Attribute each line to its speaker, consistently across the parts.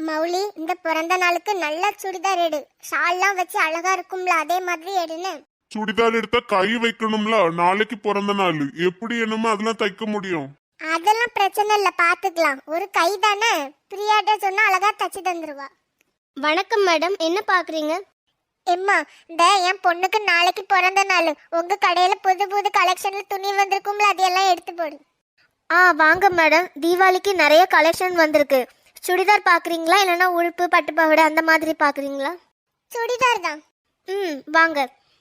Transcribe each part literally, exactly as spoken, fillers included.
Speaker 1: மௌலி, இந்த பிறந்த நாளுக்கு நல்ல சுடிதார் எடு. ஷால்லாம் வச்சு அழகா இருக்கும்ல, அதே மாதிரி எடுன்னு.
Speaker 2: சுடிதார் எடுத்தா கை வைக்கணும்ல, நாளைக்கு பிறந்த நாள். எப்படி என்னமோ அதெல்லாம் தைக்க முடியும்?
Speaker 1: அதெல்லாம் பிரச்சனை இல்ல, பாத்துக்கலாம். ஒரு கை தானே, பிரியாட்ட சொன்னா அழகா தச்சு தந்துருவா.
Speaker 3: வணக்கம் மேடம், என்ன பாக்குறீங்க?
Speaker 1: எம்மா, இந்த என் பொண்ணுக்கு நாளைக்கு பிறந்த நாள். உங்க கடையில புது புது கலெக்ஷன்ல துணி வந்திருக்கும்ல, அதையெல்லாம் எடுத்து போடு.
Speaker 3: ஆ வாங்க மேடம், தீபாவளிக்கு நிறைய கலெக்ஷன் வந்திருக்கு. சுடிதார் பாக்குறீங்களா இல்லைன்னா உடுப்பு பட்டு பாவாடை அந்த மாதிரி பாக்குறீங்களா?
Speaker 1: சுடிதார் தான்.
Speaker 3: ம் வாங்க.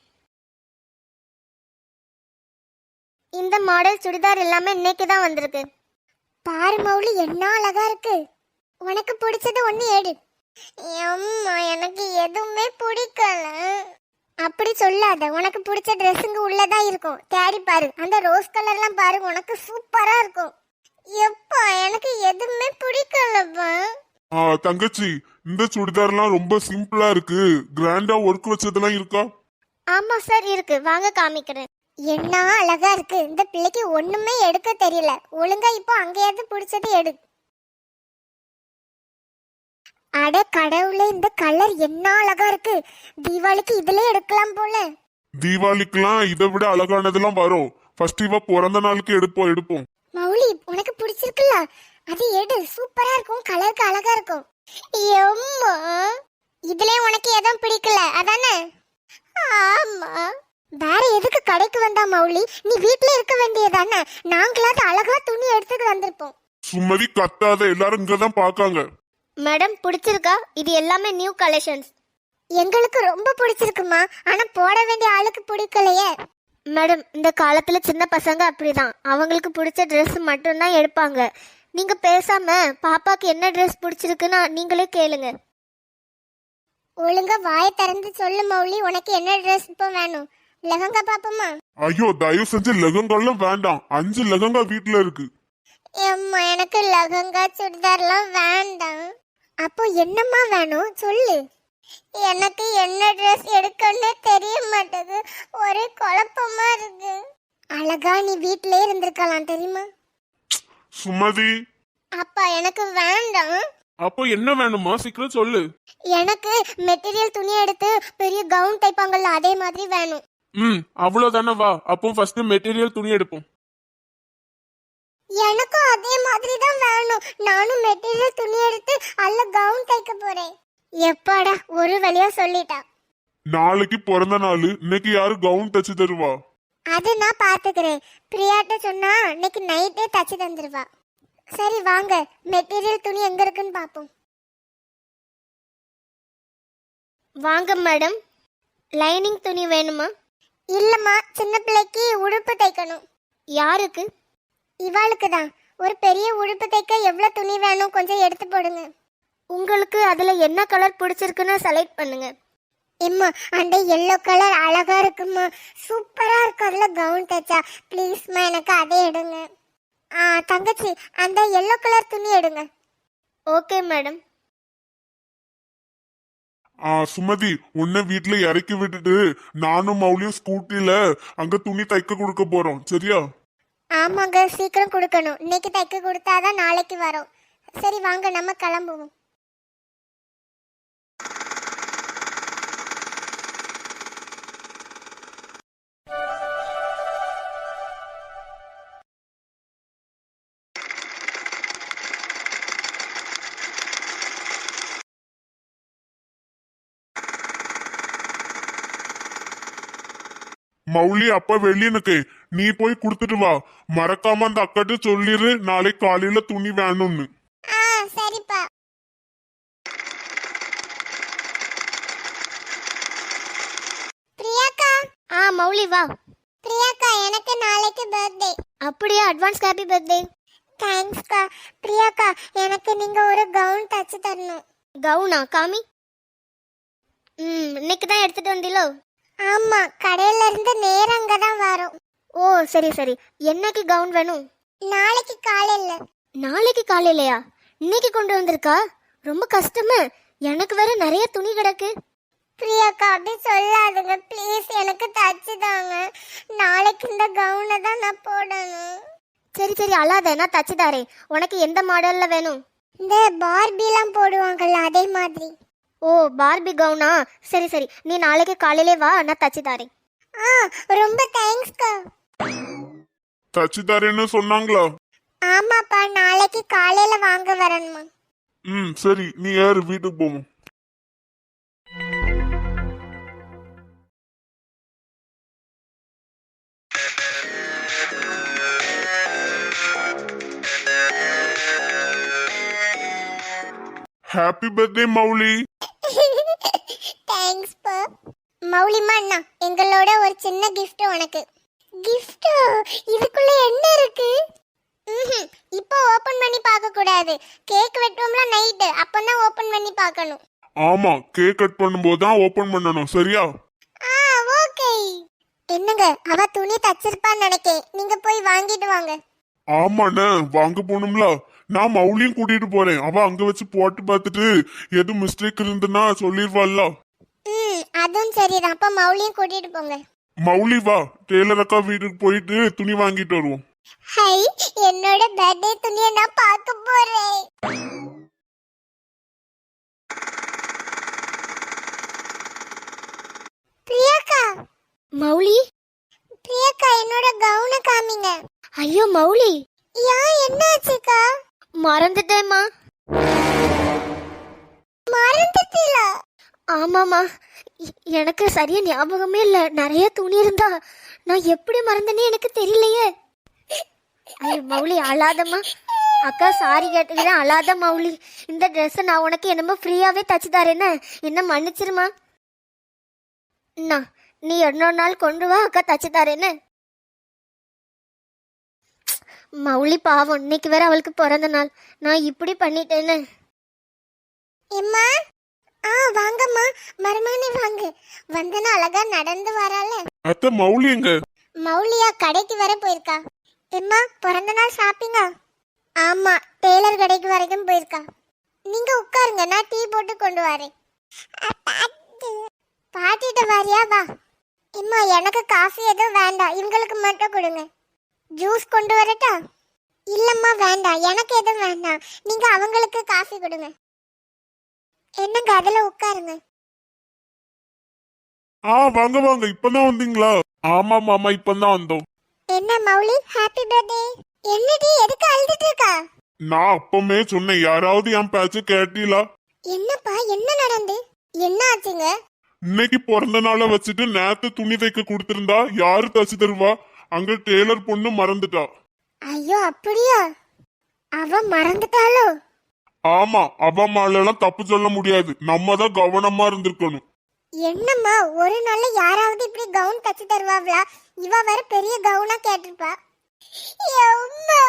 Speaker 3: இந்த மாடல் சுடிதார் எல்லாமே இன்னைக்கு தான் வந்திருக்கு.
Speaker 1: பாரு மௌலி, என்ன அழகா இருக்கு. உனக்கு பிடிச்சது ஒண்ணு எடு. அம்மா, எனக்கு எதுவுமே பிடிக்கல. அப்படி சொல்லாத, உனக்கு பிடிச்ச ட்ரெஸ்ஸுங்க உள்ளதான் இருக்கும், தேடி பாரு. அந்த ரோஸ் கலர்லாம் பாரு, உனக்கு சூப்பரா இருக்கும். எப்பா, எனக்கு எதுவுமே பிடிக்கலப்பா.
Speaker 2: ஆ தங்கச்சி, இந்த சுடிதார்லாம் ரொம்ப சிம்பிளா இருக்கு. கிராண்டா ஒர்க் வச்சதெல்லாம் இருக்கா?
Speaker 3: ஆமா சார் இருக்கு, வாங்க காமிக்கிறேன்.
Speaker 1: என்ன அழகா இருக்கு. இந்த பிள்ளைக்கு ஒண்ணுமே எடுக்க தெரியல. ஒழுங்கா இப்போ அங்கேயாவது பிடிச்சது எடு. அட கடவுளே, இந்த கலர் என்ன அழகா இருக்கு. தீபாவளிக்கு இதுல எடுக்கலாம் போல.
Speaker 2: தீபாவளிக்குலாம் இதை விட அழகானதெல்லாம் வரும். ஃபர்ஸ்ட் இவ பிறந்த நாளுக்கு எடுப்போம் எடுப்போம்.
Speaker 1: மௌலி, உனக்கு பிடிச்சிருக்குல்ல, அது எடு. சூப்பரா இருக்கும், கலருக்கு அழகா இருக்கும். எம்மா, இதுல உனக்கு எதுவும் பிடிக்கல அதானே? ஆமா. வேற எதுக்கு கடைக்கு வந்தா மௌலி? நீ வீட்ல இருக்க வேண்டியதானே? நாங்களாவது அழகா துணி எடுத்துட்டு வந்திருப்போம்.
Speaker 2: சும்மதி கத்தாத, எல்லாரும் இங்கதான் பாக்காங்க.
Speaker 3: மேடம் பிடிச்சிருக்கா? இது எல்லாமே நியூ கலெக்ஷன்ஸ்.
Speaker 1: எங்களுக்கு ரொம்ப பிடிச்சிருக்குமா, ஆனா போட வேண்டிய ஆளுக்கு பிடிக்கலையே.
Speaker 3: மேடம், இந்த காலத்துல சின்ன பசங்க அப்படிதான், அவங்களுக்கு பிடிச்ச ட்ரெஸ் மட்டும்தான் எடுப்பாங்க. நீங்க பேசாம பாப்பாக்கு என்ன ட்ரெஸ் பிடிச்சிருக்குன்னா நீங்களே கேளுங்க.
Speaker 1: ஒழுங்கா வாயை திறந்து சொல்லு மௌலி, உனக்கு என்ன ட்ரெஸ் இப்போ வேணும்? லெஹங்கா பாப்போமா?
Speaker 2: ஐயோ, தயவு செஞ்சு லெகங்காலாம் வேண்டாம். அஞ்சு லெகங்கா வீட்டுல இருக்கு.
Speaker 1: அம்மா, எனக்கு லெஹங்கா சுடிதார்லாம் வேண்டாம். அப்போ என்னம்மா வேணும் சொல்லு. எனக்கு என்ன ட்ரெஸ் எடுக்கணும்னு தெரிய மாட்டேது, ஒரே குழப்பமா இருக்கு. அழகா நீ வீட்டிலே இருந்திருக்கலாம் தெரியுமா?
Speaker 2: சுமதி,
Speaker 1: அப்பா எனக்கு வேண்டாம்.
Speaker 2: அப்போ என்ன வேணுமா, சீக்கிரம் சொல்லு.
Speaker 1: எனக்கு மெட்டீரியல் துணி எடுத்து பெரிய கவுன் தைப்பாங்கல்ல, அதே மாதிரி வேணும்.
Speaker 2: ம் அவ்வளவுதானே, வா. அப்போ ஃபர்ஸ்ட் மெட்டீரியல் துணி எடுப்போம்.
Speaker 1: எனக்கும் அதே மாதிரி தான் வேணும். நானும் மெட்டீரியல் துணி எடுத்து அல்ல கவுன் தைக்க போறேன். எப்பாடா, ஒரு வழியா சொல்லிட்டா.
Speaker 2: நாளைக்கு பிறந்த நாள், இன்னைக்கு யாரு கவுன் தச்சு தருவா?
Speaker 1: அது நான் பாத்துக்கிறேன். பிரியாட்ட சொன்னா இன்னைக்கு நைட்டே தச்சு தந்துருவா. சரி வாங்க, மெட்டீரியல் துணி எங்க இருக்குன்னு பாப்போம்.
Speaker 3: வாங்க மேடம், லைனிங் துணி வேணுமா?
Speaker 1: இல்லம்மா, சின்ன பிள்ளைக்கு உடுப்பு தைக்கணும்.
Speaker 3: யாருக்கு?
Speaker 1: இவாளுக்கு தான். ஒரு பெரிய உடுப்பு தைக்க எவ்வளவு துணி வேணும் கொஞ்சம் எடுத்து போடுங்க.
Speaker 3: உங்களுக்கு அதுல என்ன கலர் பிடிச்சிருக்குன்னு செலக்ட் பண்ணுங்க.
Speaker 1: எம்மா, அந்த எல்லோ கலர் அழகா இருக்குமா, சூப்பரா இருக்கு. அதுல கவுன் தைச்சா ப்ளீஸ்மா, எனக்கு அதே எடுங்க. ஆ தங்கச்சி, அந்த எல்லோ கலர் துணி எடுங்க.
Speaker 3: Okay madam.
Speaker 2: ஆ சுமதி, உன்னை வீட்டுல இறக்கி விட்டுட்டு நானும் மௌலியும் ஸ்கூட்டில அங்க துணி தைக்க கொடுக்க போறோம், சரியா?
Speaker 1: ஆமாங்க, சீக்கிரம் கொடுக்கணும். இன்னைக்கு தைக்க கொடுத்தாதான் நாளைக்கு வரும். சரி வாங்க, நம்ம கிளம்புவோம்.
Speaker 2: மௌலி, அப்ப வெளியனுக்கு நீ போய் குடுத்துட்டு வா. மறக்காம அந்த அக்காட்டு சொல்லிரு, நாளைக்கு காலையில துணி வேணும்னு.
Speaker 1: ஆ சரிப்பா. பிரியாக்கா.
Speaker 3: ஆ மௌலி வா.
Speaker 1: பிரியாக்கா, எனக்கு நாளைக்கு பர்த்டே.
Speaker 3: அப்படியே அட்வான்ஸ் ஹாப்பி பர்த்டே.
Speaker 1: தேங்க்ஸ்க்கா. பிரியாக்கா, எனக்கு நீங்க ஒரு கவுன் தச்சு தரணும்.
Speaker 3: கவுனா? காமி. ம் இன்னைக்கு தான் எடுத்துட்டு வந்தீங்களோ?
Speaker 1: ஆமா, கடையில இருந்து நேரா அங்க தான் வரும்.
Speaker 3: ஓ சரி சரி. என்னைக்கு கவுன் வேணும்?
Speaker 1: நாளைக்கு காலையில.
Speaker 3: நாளைக்கு காலையிலயா? இன்னைக்கு கொண்டு வந்திருக்கா? ரொம்ப கஷ்டமே, எனக்கு வேற நிறைய துணி கிடக்கு.
Speaker 1: பிரியாக்கா, அப்படி சொல்லாதுங்க ப்ளீஸ், எனக்கு தச்சு தாங்க. நாளைக்கு இந்த கவுனை தான் நான் போடணும்.
Speaker 3: சரி சரி அழாத, நான் தச்சு தாரேன். உனக்கு எந்த மாடல்ல வேணும்?
Speaker 1: இந்த பார்பிலாம் போடுவாங்கல்ல அதே மாதிரி.
Speaker 3: ஓ பார்பி கவுனா, சரி சரி, நீ நாளைக்கு காலையிலே வா, நான் தச்சு தாரேன்.
Speaker 1: ஆ ரொம்ப தேங்க்ஸ்க்கா.
Speaker 2: தச்சு தரேன்னு சொன்னாங்களா?
Speaker 1: ஆமாப்பா, நாளைக்கு காலையில வாங்க வரணுமா?
Speaker 2: ம் சரி, நீ ஏறு, வீட்டுக்கு போவோம். Happy birthday Mouli.
Speaker 1: தேங்க்ஸ் பா. மௌலிமா அண்ணா, எங்களோட ஒரு சின்ன gift உனக்கு. gift? இதுக்குள்ள என்ன இருக்கு? ம்ஹும், இப்போ ஓபன் பண்ணி பார்க்க கூடாது. கேக் வெட்டுவோம்ல நைட், அப்பதான் ஓபன் பண்ணி பார்க்கணும்.
Speaker 2: ஆமா, கேக் கட் பண்ணும்போது தான் ஓபன் பண்ணணும், சரியா?
Speaker 1: ஆ ஓகே. என்னங்க, அவ துணி தச்சிருப்பான்னு நினைக்கேன், நீங்க போய் வாங்கிட்டு வாங்க.
Speaker 2: ஆமாண்ணே, வாங்க போகணும்ல. நான் மௌலியும் கூட்டிட்டு போறேன். அவ அங்க வச்சு போட்டு பார்த்துட்டு எதுவும் மிஸ்டேக் இருந்துன்னா சொல்லிடுவாள்ல.
Speaker 1: ம் அதுவும் சரிதான். அப்ப மௌலியும் கூட்டிட்டு போங்க.
Speaker 2: மௌலி வா, டெய்லர் அக்கா வீட்டுக்கு போயிட்டு துணி வாங்கிட்டு வருவோம்.
Speaker 1: ஹை, என்னோட பர்த்டே துணியை நான் பார்க்க போறேன். பிரியாக்கா.
Speaker 3: மௌலி.
Speaker 1: பிரியாக்கா, என்னோட கவுனை காமிங்க.
Speaker 3: ஐயோ மௌலி,
Speaker 1: யா என்னாச்சுக்கா?
Speaker 3: மறந்துட்டேம்மா.
Speaker 1: மறந்துட்டீங்களா?
Speaker 3: ஆமாம்மா, எ- எனக்கு சரியா ஞாபகமே இல்லை. நிறைய துணி இருந்தா நான் எப்படி மறந்தேனே எனக்கு தெரியலையே. ஐயோ மௌலி, அழாதம்மா. அக்கா சாரி கேட்டுக்கிறேன், அழாத மௌலி. இந்த ட்ரெஸ்ஸை நான் உனக்கு என்னமோ ஃப்ரீயாகவே தச்சு தரேன்னு, என்ன மன்னிச்சிருமா. அண்ணா, நீ இன்னொரு நாள் கொண்டு வா, அக்கா தச்சு தரேன்னு. மௌலி பாவம், இன்னைக்கு வேற அவளுக்கு பிறந்த நாள், நான் இப்படி பண்ணிட்டேன்னு.
Speaker 1: எம்மா, ஆ வாங்கம்மா, மருமகனே வாங்க. வந்தனா அழகா நடந்து வரால.
Speaker 2: அத்தை, மௌலி எங்க?
Speaker 1: மௌலியா கடைக்கு வர போயிருக்கா. எம்மா, பிறந்த நாள் ஷாப்பிங்கா? ஆமா, டெய்லர் கடைக்கு வரைக்கும் போயிருக்கா. நீங்க உட்காருங்க, நான் டீ போட்டு கொண்டு வரேன். பாட்டிட்ட வாரியா? வா. எம்மா, எனக்கு காஃபி எதுவும் வேண்டாம், இவங்களுக்கு மட்டும் கொடுங்க. ஜூஸ் கொண்டு வரட்டா? இல்லம்மா வேண்டாம், எனக்கு எதுவும் வேண்டாம், நீங்க அவங்களுக்கு காஃபி கொடுங்க. என்னங்க, அதுல உட்காருங்க.
Speaker 2: ஆ வாங்க வாங்க, இப்பதான் வந்தீங்களா? ஆமா மாமா, இப்பதான் வந்தோம்.
Speaker 1: என்ன மௌலி, ஹாப்பி பர்த்டே. என்னடி, எதுக்கு அழுதுட்டு இருக்கா?
Speaker 2: நான் அப்பமே சொன்னேன், யாராவது என் பேச்சு கேட்டீங்களா?
Speaker 1: என்னப்பா, என்ன நடந்து? என்ன ஆச்சுங்க?
Speaker 2: இன்னைக்கு பிறந்த நாளை வச்சுட்டு நேத்து துணி தைக்க கொடுத்திருந்தா யாரு தச்சு தருவா? அங்க டெய்லர் பொண்ணு மறந்துட்டா.
Speaker 1: ஐயோ அப்படியா? அவ மறந்துட்டாளோ?
Speaker 2: ஆமா, அவ மேலாம் தப்பு சொல்ல முடியாது, நம்ம தான் கவனமா இருந்திருக்கணும்.
Speaker 1: என்னம்மா, ஒரு நாள்ல யாராவது இப்படி கவுன் தச்சு தருவாங்களா? இவ வேற பெரிய கவுனா கேட்டிருப்பா. எம்மா,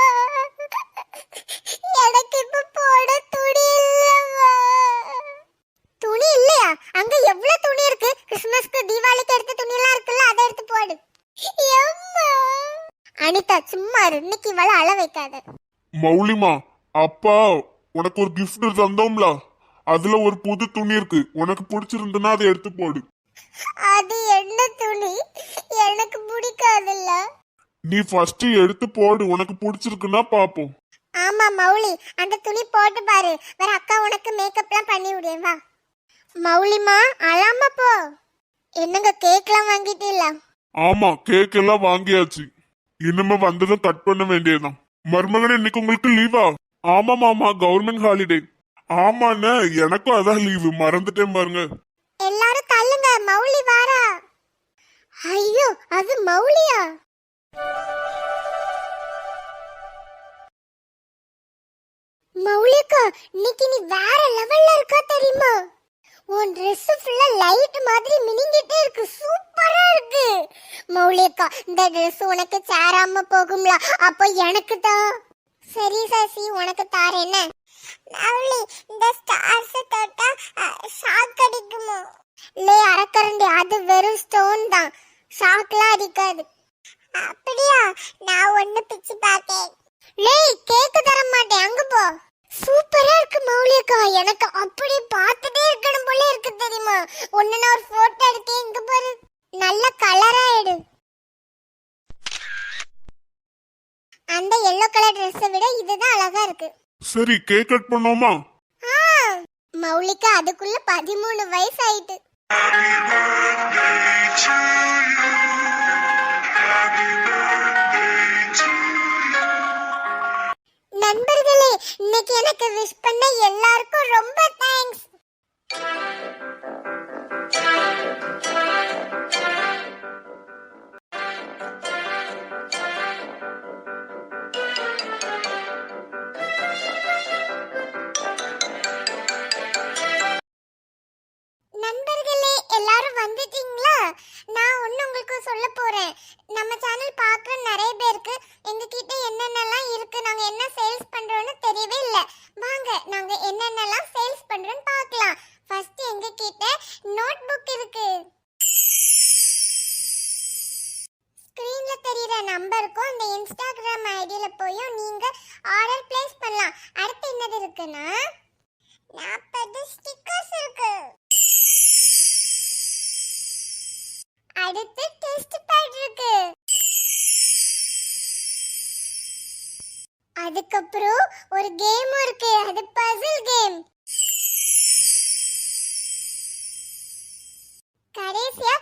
Speaker 1: எனக்கு இப்ப போட துணி இல்லம்மா. துணி இல்லையா? அங்க எவ்வளவு துணி இருக்கு. கிறிஸ்மஸ்க்கு தீபாவளிக்கு எடுத்த துணி எல்லாம் இருக்குல்ல, அதை எடுத்து போடு. எம்மா. அனிதா சும்மா இரு, இன்னைக்கு இவள அழ வைக்காத.
Speaker 2: மௌலிமா, அப்பா உனக்கு ஒரு கிஃப்ட் தந்தோம்ல, அதுல ஒரு புது துணி இருக்கு, உனக்கு பிடிச்சிருந்தனா அதை எடுத்து போடு.
Speaker 1: அது என்ன துணி? எனக்கு பிடிக்காதுல்ல.
Speaker 2: நீ ஃபர்ஸ்ட் எடுத்து போடு, உனக்கு பிடிச்சிருக்குன்னா பாப்போம்.
Speaker 1: ஆமா மௌலி, அந்த துணி போட்டு பாரு, வேற அக்கா உனக்கு மேக்கப்லாம் பண்ணி விடுவேன். வா மௌலிமா, அழாம போ. என்னங்க, கேக்லாம் வாங்கிட்டீங்களா?
Speaker 2: ஆமா, கேக் எல்லாம் வாங்கியாச்சு, இனிமே வந்ததும் கட் பண்ண வேண்டியதுதான். மருமகனே, இன்னைக்கு உங்களுக்கு லீவா? ஆமா மாமா, கவர்மெண்ட் ஹாலிடே. ஆமாண்ணே, எனக்கும் அதான் லீவு, மறந்துட்டேன் பாருங்க.
Speaker 1: எல்லாரும் தள்ளுங்க, மௌலி வாரா. ஐயோ, அது மௌலியா? மௌலிகா, இன்னைக்கு நீ வேற லெவல்ல இருக்கா தெரியுமா? உன் Dress ஃபுல்லா லைட் மாதிரி மினிங்கிட்டே இருக்கு, சூப்பரா இருக்கு. மௌலிகா, இந்த Dress உனக்கு சேராம போகும்ல, அப்போ எனக்கு தான். சரி சசி, உனக்கு தாரேன். மௌலி, இந்த ஸ்டார்ஸ் தொட்டா ஷாக் அடிக்குமோ? லே அரக்கரண்டி, அது வெறும் ஸ்டோன் தான், ஷாக்லாம் அடிக்காது. அப்படியா? நான் ஒண்ணு பிச்சு பார்த்தேன். லே, கேக்கு தர மாட்டேன், அங்க போ. சூப்பரா இருக்கு மௌலிகா, எனக்கு அப்படி பார்த்துட்டே இருக்கணும் போல இருக்கு தெரியுமா? ஒன்னு நான் ஒரு போட்டோ எடுத்தேன், இங்க பாரு, நல்ல கலரா எடு. அந்த எல்லோ கலர் Dress விட இதுதான் அழகா இருக்கு.
Speaker 2: சரி கேக் கட் பண்ணோமா?
Speaker 1: ஆ, மௌலிக்கு அதுக்குள்ள பதிமூணு வயசு ஆயிட்டு. நண்பர்களே, இன்னைக்கு எனக்கு விஷ் பண்ண எல்லாருக்கும் ரொம்ப தேங்க்ஸ். நண்பர்களே, எல்லாரும் வந்துட்டீங்களா? நான் ஒண்ணு உங்களுக்கு சொல்ல போறேன். நம்ம சேனல் பார்க்குற நிறைய பேருக்கு எங்க கிட்ட என்னென்னலாம் இருக்கு, நாங்க என்ன சேல்ஸ் பண்றோம்னு தெரியவே இல்ல. வாங்க நாங்க என்னென்னலாம் சேல்ஸ் பண்றோம்னு பார்க்கலாம். ஃபர்ஸ்ட் எங்க கிட்ட நோட் புக் இருக்கு. ஸ்கிரீன்ல தெரியுற நம்பருக்கும் அந்த இன்ஸ்டாகிராம் ஐடியில போயும் நீங்க ஆர்டர் பிளேஸ் பண்ணலாம். அடுத்து என்னது இருக்குன்னா நாற்பது ஸ்டிக்கர்ஸ் இருக்கு. அடுத்து டெஸ்ட் பேட் இருக்கு. அதுக்கப்புறம் ஒரு கேம் இருக்கு, அது பசில் கேம். கடைசியா